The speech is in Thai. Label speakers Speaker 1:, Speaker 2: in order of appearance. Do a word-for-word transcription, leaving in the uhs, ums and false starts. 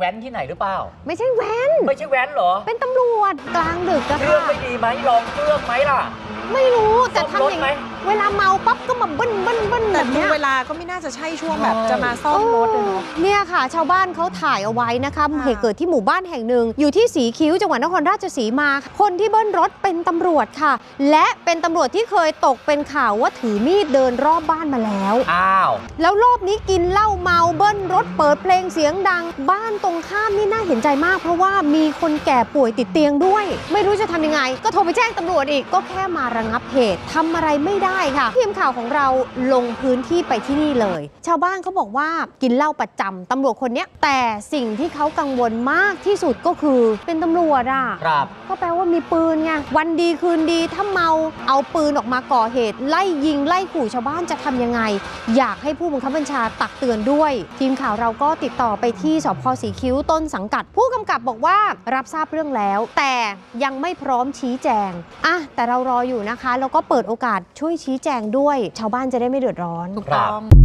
Speaker 1: ว้นที่ไหนหรือเปล่า
Speaker 2: ไม่ใช่แว้น
Speaker 1: ไม่ใช่แว้นเหรอ
Speaker 2: เป็นตำรวจกลางดึกอะค่ะ
Speaker 1: เครื่องไม่ดีไหมลองเครื่องไหมล่ะ
Speaker 2: ไม่รู้แต่ทำอย่างเวลาเมาปั๊บก็มาเบิ้ลเบิ้ลเบิ้ลแบบนี้
Speaker 3: เวลาก็ไม่น่าจะใช่ช่วงแบบจะมาซ่อมรถเลยเนาะ
Speaker 2: เนี่ยค่ะชาวบ้านเขาถ่ายเอาไว้นะคะเหตุเกิดที่หมู่บ้านแห่งหนึ่งอยู่ที่สีคิ้วจังหวัดนครราชสีมาคนที่เบิ้ลรถเป็นตำรวจค่ะและเป็นตำรวจที่เคยตกเป็นข่าวว่าถือมีดเดินรอบบ้านมาแล้ว
Speaker 1: อ้าว
Speaker 2: แล้วรอบนี้กินเหล้าเมาเบิ้ลรถเปิดเพลงเสียงดังบ้านตรงข้ามนี่น่าเห็นใจมากเพราะว่ามีคนแก่ป่วยติดเตียงด้วยไม่รู้จะทำยังไงก็โทรไปแจ้งตำรวจอีกก็แค่มาระงับเหตุทำอะไรไม่ได้ค่ะทีมข่าวของเราลงพื้นที่ไปที่นี่เลยชาวบ้านเขาบอกว่ากินเหล้าประจำตำรวจคนนี้แต่สิ่งที่เขากังวลมากที่สุดก็คือเป็นตำรวจอ่ะ
Speaker 1: ครับ
Speaker 2: ก็แปลว่ามีปืนไงวันดีคืนดีถ้าเมาเอาปืนออกมาก่อเหตุไล่ยิงไล่ขู่ชาวบ้านจะทำยังไงอยากให้ผู้บังคับบัญชาตักเตือนด้วยทีมข่าวเราก็ติดต่อไปที่สภ.สีคิ้วต้นสังกัดผู้กำกับบอกว่ารับทราบเรื่องแล้วแต่ยังไม่พร้อมชี้แจงอ่ะแต่เรารออยู่นะคะแล้วก็เปิดโอกาสช่วยชี้แจงด้วยชาวบ้านจะได้ไม่เดือดร้อน
Speaker 3: ถูกต้อง